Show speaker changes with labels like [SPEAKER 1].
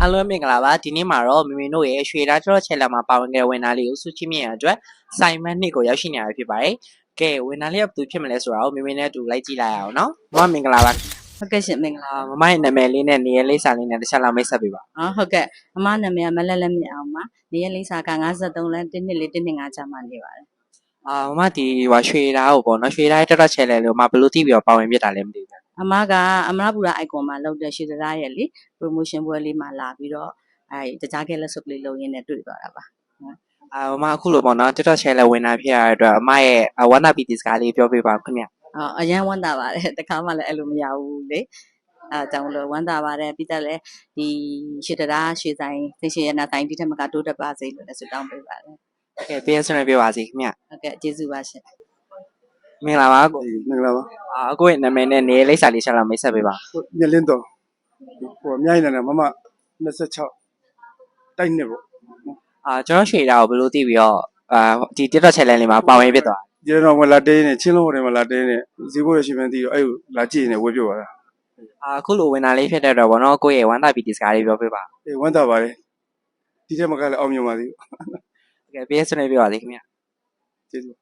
[SPEAKER 1] အားလုံးမင်္ဂလာပါဒီနေ့မှာတော့မမေတို့ရဲ့ရွှေသားကျော်ချဲလာမှာပါဝင်တဲ့ဝန်သားလေးကိုစုချစ်မြင့်ရအတွက်စိုင်မန်းနှစ်ကိုရောက်ရှိနေရဖြစ်ပါတယ်။ကဲဝန်သားလေးကဘယ်သူဖြစ်မလဲဆိုတာကိုမမေနဲ့အတူလိုက်ကြည့်လိုက်အောင်နော်။မမမင်္ဂလာပါ။
[SPEAKER 2] ဟုတ်ကဲ့ရှင်မင်္ဂလာ
[SPEAKER 1] မမရဲ့နာမည်လေးနဲ့နေရာလေးစာလေးနဲ့တစ်ချက်လောက်မိတ်ဆက်ပေးပါ
[SPEAKER 2] ဟုတ်ကဲ့အမနာမည်ကမလက်လက်မြင့်အောင်ပါနေရလိမ့်စာက53လမ်း1နှစ်လေး1နှစ်5ကြာမှနေပါတယ်
[SPEAKER 1] ။မမဒီရွှေသားကိုပေါ့နော်ရွှေသားရဲ့တော်ချဲလဲလို့မဘယ်လိုသိပြီးတော့ပါဝင်ပြတာလဲမသိဘူး
[SPEAKER 2] အမကအမရပူရာ icon မှာလောက်တဲ့ရွှေသားရဲ့လေ promotion ပွဲလေးမှာလာပြီးတော့တကြားကဲလက်စုပ်လေးလုံရင်းနဲ့တွေ့သွားတာပါ
[SPEAKER 1] မမအခုလိုပေါ့နော်တော်ချဲလဲဝင်လာဖြစ်ရတဲ့အတွက်အမရဲ့ဝမ်းသာပီတီစကားလေးပြောပြပါခင်ဗျ
[SPEAKER 2] ။အရန်ဝမ်းသာပါတယ်တခါမှလည်းအဲ့လိုမရဘူးလေအဲကြောင့်လို့ဝမ်းသာပါတယ်ပြီးတော့လည်းဒီရွှေသားရွှေဆိုင်သိရှင်ရနာဆိုင်ဒီထက်မကတိုးတက်ပါစေလို့လည်းဆုတောင်းပေးပါတယ်
[SPEAKER 1] โอเคပေးဆွေးနွေးပြပါစီခင်ဗျ
[SPEAKER 2] ဟုတ်ကဲ့ကျေးဇူးပါရှင်
[SPEAKER 1] မင်္ဂလာပါကို
[SPEAKER 3] မင်္ဂလာပါ
[SPEAKER 1] အခုရဲ့နာမည်နဲ့နေရာလိပ်စာလေးချက်လောက်မိတ်ဆက်ပေးပါ
[SPEAKER 3] ညလင်းတော်ဟိုအများကြီးနေတယ်မမ26တိုက်နှစ်ပေါ့
[SPEAKER 1] ကျွန်တော်ရွှေသားကိုဘယ်လိုသိပြီးတော့ဒီ TikTok channel လေးမှာပါဝင်ဖြစ်သွား
[SPEAKER 3] ဒီတော့ဝင်လာတေးနေချင်းလုံးဟိုတယ်မှာလာတေးနေဈေးဘိုးရရှိမှန်းသိတော့အဲ့လာကြည့်နေဝယ်ပြပါလား
[SPEAKER 1] အခုလိုဝင်လာလေးဖြစ်တဲ့တော့ဗောနော်ကိုယ့်ရဲ့ဝမ်းသာပီတီစကားလေးပြောပြပါ
[SPEAKER 3] အေးဝမ်းသာပါတယ်ဒီထက်မကလည်းအောင်မြင်ပါသေး
[SPEAKER 1] ဘူးโอเคပေးဆွေးနွေးပြပါစီခင်ဗျ
[SPEAKER 3] ကျေးဇူး